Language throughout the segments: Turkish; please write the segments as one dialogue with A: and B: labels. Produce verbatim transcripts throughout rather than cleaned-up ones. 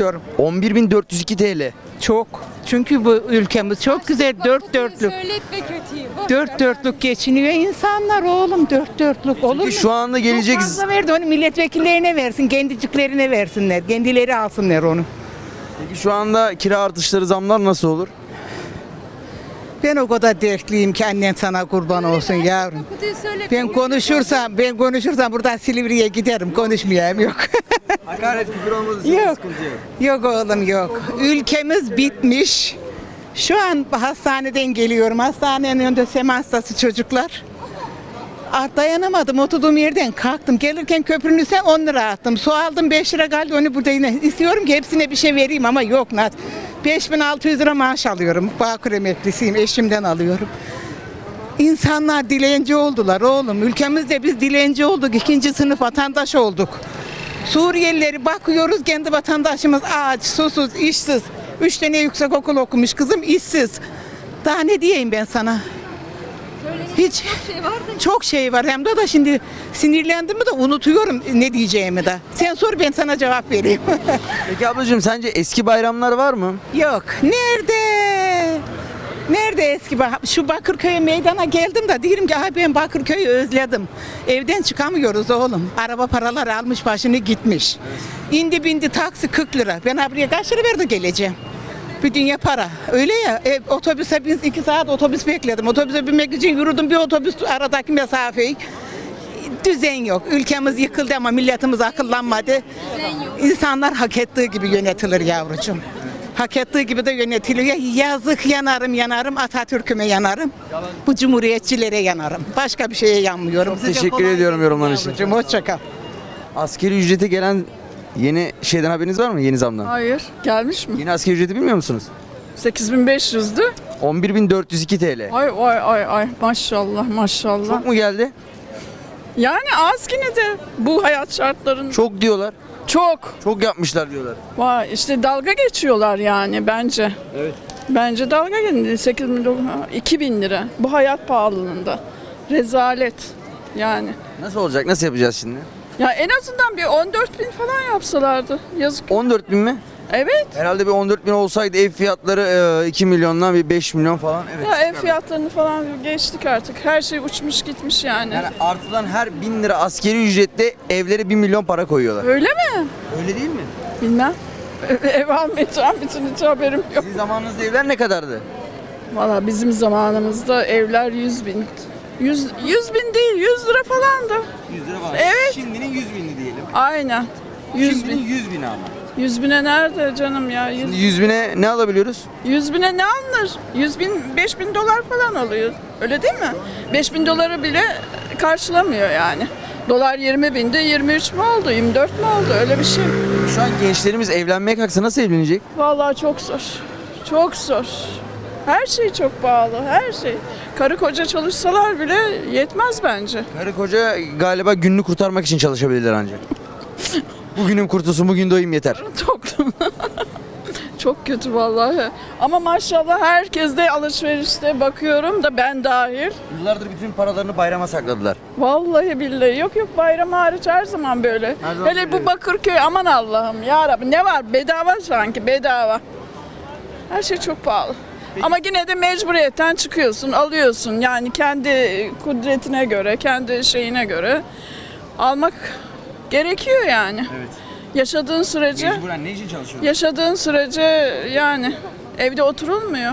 A: istiyorum.
B: on bir bin dört yüz iki T L.
A: Çok. Çünkü bu ülkemiz çok güzel dört dörtlük.
C: Söyletme kötüyü. Boş
A: Dört
C: ver.
A: dörtlük geçiniyor insanlar oğlum. Dört dörtlük olur mu?
B: Peki şu anda gelecek...
A: Çok fazla verdi onu milletvekillerine versin. Kendiciklerine versinler. Kendileri alsınlar onu.
B: Peki şu anda kira artışları, zamlar nasıl olur?
A: Ben o kadar dertliyim ki annen sana kurban olsun yavrum.
C: Kötüyü söyle.
A: Ben konuşursam, ben konuşursam buradan Silivri'ye giderim. Konuşmayayım yok.
B: Hakaret, küfür olmadı.
A: Yok. Yok oğlum yok. Ülkemiz bitmiş. Şu an hastaneden geliyorum. Hastanenin önünde sema hastası çocuklar. Ah, dayanamadım. Oturduğum yerden kalktım. Gelirken köprünün üstüne on lira attım. Su aldım beş lira kaldı. Onu burada yine istiyorum ki hepsine bir şey vereyim ama yok Nat. beş bin altı yüz lira maaş alıyorum. Bağkur emeklisiyim. Eşimden alıyorum. İnsanlar dilenci oldular oğlum. Ülkemizde biz dilenci olduk. İkinci sınıf vatandaş olduk. Suriyelileri bakıyoruz, kendi vatandaşımız aç, susuz, işsiz. Üç tane yüksek okul okumuş kızım, işsiz. Daha ne diyeyim ben sana? Hiç
C: Çok şey var da.
A: çok şey var hem de da şimdi sinirlendim mi de unutuyorum ne diyeceğimi de. Sen sor ben sana cevap vereyim.
B: Peki ablacığım, sence eski bayramlar var mı?
A: Yok. Nerede? Nerede eski bah- şu Bakırköy meydana geldim de diyorum ki aha ben Bakırköy'ü özledim. Evden çıkamıyoruz oğlum. Araba paraları almış başını gitmiş. İndi bindi taksi kırk lira. Ben buraya kaç lira verdi geleceğim? Bir dünya para. Öyle ya e, otobüse biz iki saat otobüs bekledim. Otobüse binmek için yürüdüm bir otobüs aradaki mesafeyi. Düzen yok. Ülkemiz yıkıldı ama milletimiz akıllanmadı. İnsanlar hak ettiği gibi yönetilir yavrucuğum. Hak ettiği gibi de yönetiliyor. Yazık yanarım yanarım Atatürk'üme yanarım. Bu cumhuriyetçilere yanarım. Başka bir şeye yanmıyorum.
B: Çok teşekkür ediyorum yorumlarınız için.
A: Yavrucuğum, hoşça kal.
B: Asgari ücrete gelen yeni şeyden haberiniz var mı? Yeni zamdan.
D: Hayır, gelmiş mi?
B: Yeni asgari ücreti bilmiyor musunuz?
D: sekiz bin beş yüzdü.
B: on bir bin dört yüz iki T L.
D: Ay ay ay ay maşallah maşallah.
B: Çok mu geldi?
D: Yani az yine de bu hayat şartlarında çok.
B: Çok diyorlar.
D: Çok.
B: Çok yapmışlar diyorlar.
D: Vay işte dalga geçiyorlar yani bence.
B: Evet.
D: Bence dalga geçiyorlar. sekiz bin iki bin lira bu hayat pahalılığında. Rezalet yani.
B: Nasıl olacak? Nasıl yapacağız şimdi?
D: Ya en azından bir on dört bin falan yapsalardı. Yazık.
B: on dört bin mi?
D: Evet.
B: Herhalde bir on dört bin olsaydı ev fiyatları iki milyondan bir beş milyon falan. Evet.
D: Ya ev fiyatlarını falan geçtik artık. Her şey uçmuş gitmiş yani.
B: Yani artıdan her bin lira askeri ücrette evlere bir milyon para koyuyorlar.
D: Öyle mi?
B: Öyle değil mi?
D: Bilmem. Ev almayacağım, bütün hiç haberim yok.
B: Sizin zamanınızda evler ne kadardı?
D: Valla bizim zamanımızda evler yüz bin. yüz, yüz bin değil, yüz lira falandı.
B: yüz lira var.
D: Evet.
B: Şimdinin yüz bini diyelim.
D: Aynen. yüz
B: Şimdinin
D: bin.
B: yüz bini ama.
D: yüz bine nerede canım ya? yüz,
B: yüz bine ne alabiliyoruz?
D: yüz bine ne alınır? yüz bin, beş bin dolar falan alıyor. Öyle değil mi? beş bin doları bile karşılamıyor yani. Dolar yirmi binde yirmi üç mü oldu, yirmi dört mü oldu? Öyle bir şey.
B: Şu an gençlerimiz evlenmeye kalksa nasıl evlenecek?
D: Vallahi çok zor. Çok zor. Her şey çok pahalı, her şey. Karı koca çalışsalar bile yetmez bence.
B: Karı koca galiba gününü kurtarmak için çalışabilirler ancak. Bugünüm kurtulsun, bugün doyayım yeter.
D: Çok çok kötü vallahi. Ama maşallah herkes de alışverişte bakıyorum da ben dahil.
B: Yıllardır bütün paralarını bayrama sakladılar.
D: Vallahi billahi yok yok bayram hariç her zaman böyle.
B: Her zaman
D: Hele
B: böyle.
D: bu Bakırköy aman Allah'ım ya Rabbi ne var bedava sanki bedava. Her şey çok pahalı. Ama yine de mecburiyetten çıkıyorsun, alıyorsun. Yani kendi kudretine göre, kendi şeyine göre almak gerekiyor yani.
B: Evet.
D: Yaşadığın sürece
B: Mecburen ne için çalışıyorsun?
D: Yaşadığın sürece yani evde oturulmuyor.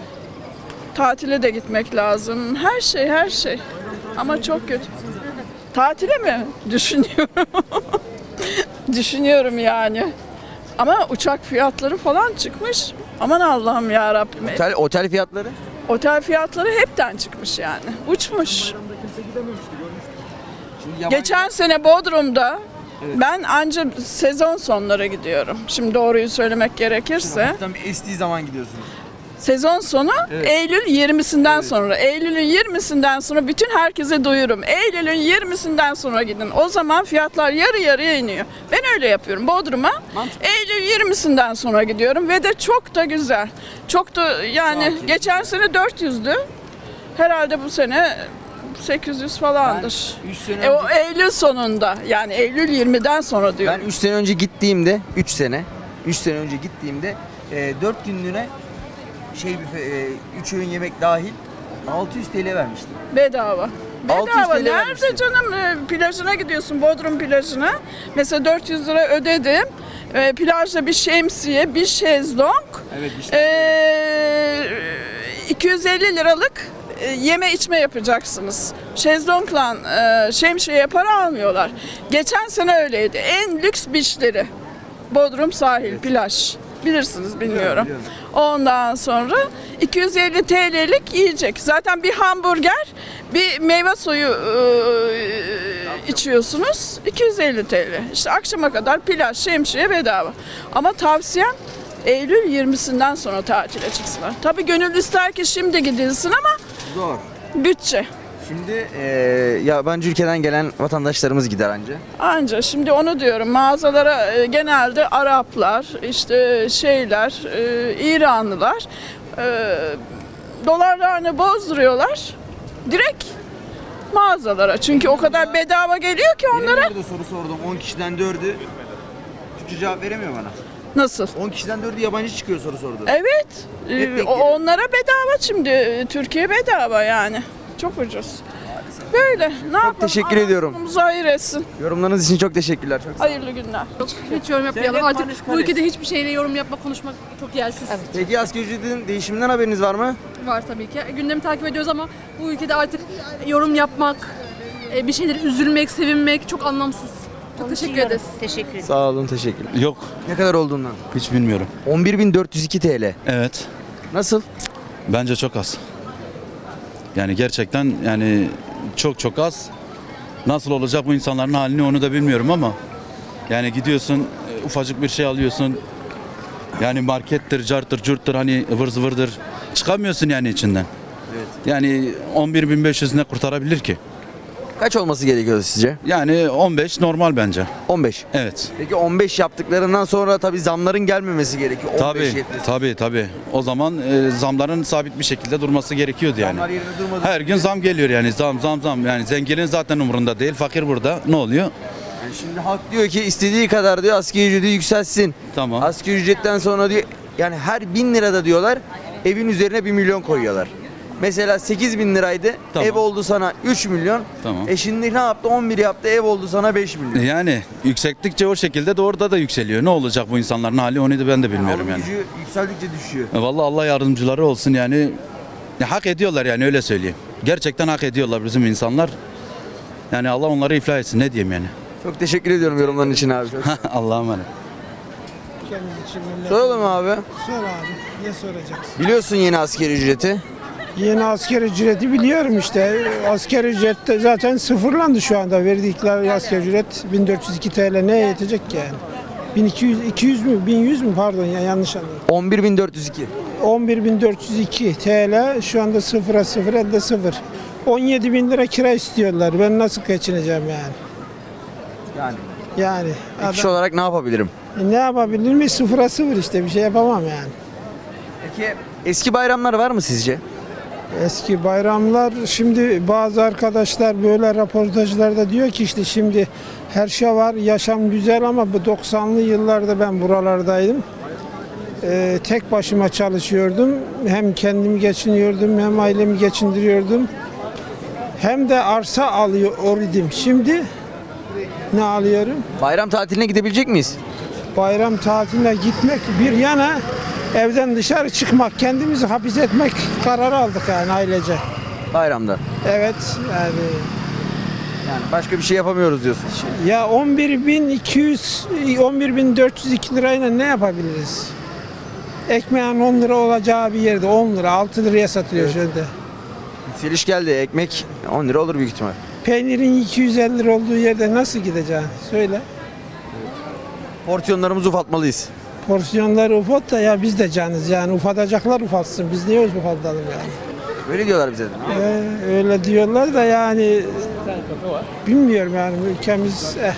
D: Tatile de gitmek lazım. Her şey, her şey. Ama çok kötü. Tatile mi? Düşünüyorum. Düşünüyorum yani. Ama uçak fiyatları falan çıkmış. Aman Allah'ım ya Rabbim.
B: Otel, otel fiyatları?
D: Otel fiyatları hepten çıkmış yani. Uçmuş.
B: Şimdi yabancı-
D: Geçen sene Bodrum'da ben anca sezon sonları gidiyorum. Şimdi doğruyu söylemek gerekirse.
B: Hafiften bir estiği zaman gidiyorsunuz.
D: Sezon sonu
B: Evet.
D: Eylül yirmisinden sonra. Eylül'ün yirmisinden sonra bütün herkese duyurum. Eylül'ün yirmisinden sonra gidin. O zaman fiyatlar yarı yarıya iniyor. Ben öyle yapıyorum. Bodrum'a
B: Mantıklı.
D: Eylül yirmisinden sonra gidiyorum ve de çok da güzel. Çok da yani
B: Sakin.
D: geçen sene dört yüzdü. Herhalde bu sene sekiz yüz falandır.
B: üç sene
D: E, o
B: önce-
D: Eylül sonunda yani Eylül yirmiden sonra diyorum.
B: Ben üç sene önce gittiğimde üç sene üç sene önce gittiğimde e, dört günlüğüne şey üç öğün yemek dahil altı yüz T L vermiştim.
D: Bedava.
B: altı yüz
D: Bedava.
B: T L
D: Nerede
B: vermiştim.
D: canım? Ee, Plajına gidiyorsun, Bodrum plajına. Mesela dört yüz lira ödedim. Ee, plajda bir şemsiye, bir şezlong.
B: Evet işte.
D: Ee, iki yüz elli liralık e, yeme içme yapacaksınız. Şezlongla e, şemsiyeye para almıyorlar. Geçen sene öyleydi. En lüks beachleri. Bodrum sahil, plaj. Bilirsiniz bilmiyorum.
B: biliyorum.
D: Ondan sonra iki yüz elli T L'lik yiyecek. Zaten bir hamburger, bir meyve suyu e, içiyorsunuz. iki yüz elli T L. İşte akşama kadar plaj, şemsiye bedava. Ama tavsiyem Eylül yirmisinden sonra tatile çıksınlar. Tabii gönül ister ki şimdi gidilsin ama
B: Zor.
D: bütçe.
B: Şimdi e, yabancı ülkeden gelen vatandaşlarımız gider anca.
D: Anca şimdi onu diyorum, mağazalara e, genelde Araplar, işte şeyler, e, İranlılar e, dolarlarını bozduruyorlar direkt mağazalara. Çünkü o kadar bedava geliyor ki onlara.
B: Benim burada soru sordum. on kişiden dördü Türkçe cevap veremiyor bana.
D: Nasıl?
B: on kişiden dördü yabancı çıkıyor soru sordu.
D: Evet. e,
B: Hep denk
D: o-
B: geliyor.
D: onlara bedava şimdi. e, Türkiye bedava yani. Çok ucuz. Böyle. Ne yapalım?
B: teşekkür
D: Allah
B: ediyorum.
D: sonumuzu hayır etsin.
B: Yorumlarınız için çok teşekkürler. Çok sağ olun.
D: Hayırlı günler.
C: Hiç yorum yapmayalım.
B: Devlet
C: Artık
B: Barış
C: bu
B: Kardeş.
C: ülkede hiçbir şeyle yorum yapmak, konuşmak çok yersiz.
B: Peki asgari ücretin değişiminden haberiniz var mı?
C: Var tabii ki. Gündemi takip ediyoruz ama bu ülkede artık yorum yapmak, e, bir şeyleri üzülmek, sevinmek çok anlamsız. Çok teşekkür ederiz.
E: Teşekkür ederim.
B: Sağ olun, teşekkürler.
F: Yok,
B: Ne kadar olduğundan?
F: hiç bilmiyorum.
B: on bir bin dört yüz iki T L.
F: Evet,
B: Nasıl?
F: bence çok az. Yani gerçekten yani çok çok az. Nasıl olacak bu insanların halini onu da bilmiyorum ama yani gidiyorsun e, ufacık bir şey alıyorsun. Yani markettir, carttır, curttur hani ıvır zıvırdır. Çıkamıyorsun yani içinden.
B: Evet.
F: Yani on bir bin beş yüz ne kurtarabilir ki?
B: Kaç olması gerekiyordu sizce?
F: Yani on beş normal bence.
B: on beş.
F: Evet.
B: Peki on beş yaptıklarından sonra tabii zamların gelmemesi gerekiyor. on beş
F: Tabii,
B: yetmesi.
F: tabii, tabii. O zaman e, zamların sabit bir şekilde durması gerekiyordu yani.
B: Zamlar yerine durmadı.
F: Her gün zam geliyor yani zam zam zam yani zenginin zaten umurunda değil fakir burada ne oluyor?
B: Yani şimdi halk diyor ki istediği kadar diyor asgari ücreti yükselsin.
F: Tamam.
B: Asgari ücretten sonra diyor yani her bin lirada diyorlar evin üzerine bir milyon koyuyorlar. Mesela sekiz bin liraydı
F: Tamam.
B: ev oldu sana üç milyon.
F: Tamam.
B: E şimdi ne yaptı on bir yaptı ev oldu sana beş milyon.
F: Yani yüksektikçe o şekilde de orada da yükseliyor. Ne olacak bu insanların hali onu da ben de bilmiyorum
B: Alım
F: yani.
B: gücü yükseldikçe düşüyor.
F: E, Vallahi Allah yardımcıları olsun yani. Ya, hak ediyorlar yani öyle söyleyeyim. Gerçekten hak ediyorlar bizim insanlar. Yani Allah onları iflah etsin ne diyeyim yani.
B: Çok teşekkür ediyorum yorumların için abi. Çok-
F: Allah'a emanet.
B: Soralım abi.
G: Sor abi. Ne soracaksın?
B: Biliyorsun yeni asgari ücreti.
G: Yeni asker ücreti biliyorum işte. Asker ücret de zaten sıfırlandı şu anda. Verdikleri asker ücret bin dört yüz iki T L neye yetecek ki yani? bin iki yüz, iki yüz mü? bin yüz mü? Pardon ya yanlış anladım.
B: on bir bin dört yüz iki.
G: on bir bin dört yüz iki T L şu anda sıfıra sıfır elde sıfır. on yedi bin lira kira istiyorlar. Ben nasıl geçineceğim yani?
B: Yani
G: Yani
B: kişi
G: adam,
B: olarak ne yapabilirim?
G: ne yapabilir mi? Sıfıra sıfır işte bir şey yapamam yani.
B: Peki eski bayramlar var mı sizce?
G: Eski bayramlar şimdi bazı arkadaşlar böyle röportajlarda diyor ki işte şimdi her şey var, yaşam güzel ama bu doksanlı yıllarda ben buralardaydım. Ee, tek başıma çalışıyordum. Hem kendimi geçiniyordum hem ailemi geçindiriyordum. Hem de arsa alıyor idim. Şimdi ne alıyorum?
B: Bayram tatiline gidebilecek miyiz?
G: Bayram tatiline gitmek bir yana evden dışarı çıkmak, kendimizi hapis etmek kararı aldık yani ailece.
B: Bayramda.
G: Evet yani
B: Yani başka bir şey yapamıyoruz diyorsun.
G: ya on bir bin iki yüz on bir bin dört yüz iki lirayla ne yapabiliriz? Ekmeğin on lira olacağı bir yerde on lira altı liraya satılıyor şöyle.
B: Yükseliş geldi. Ekmek on lira olur büyük ihtimal.
G: Peynirin iki yüz elli lira olduğu yerde nasıl gideceksin? Söyle.
B: Porsiyonlarımızı ufaltmalıyız.
G: Porsiyonları ufalt da ya biz de canız yani ufaltacaklar ufaltsın. Biz niye ufaltalım yani?
B: Öyle diyorlar bize de.
G: Ee, öyle diyorlar da yani bilmiyorum yani ülkemiz eh,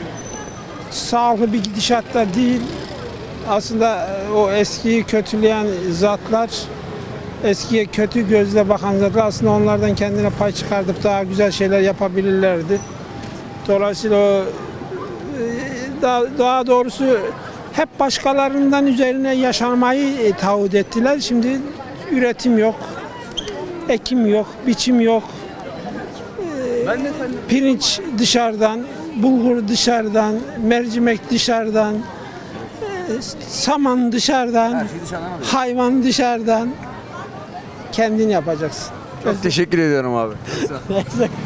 G: sağlıklı bir gidişatta değil. Aslında eh, o eskiyi kötüleyen zatlar, eskiye kötü gözle bakan zatlar aslında onlardan kendine pay çıkartıp daha güzel şeyler yapabilirlerdi. Dolayısıyla o, eh, daha, daha doğrusu hep başkalarından üzerine yaşamayı e, taahhüt ettiler. Şimdi üretim yok, ekim yok, biçim yok.
B: Ben de sen
G: Pirinç dışarıdan, bulgur dışarıdan, mercimek dışarıdan, e, saman dışarıdan,
B: her şeyi dışarıdan alıyorsun.
G: hayvan dışarıdan. Kendin yapacaksın.
B: Çok teşekkür ediyorum abi.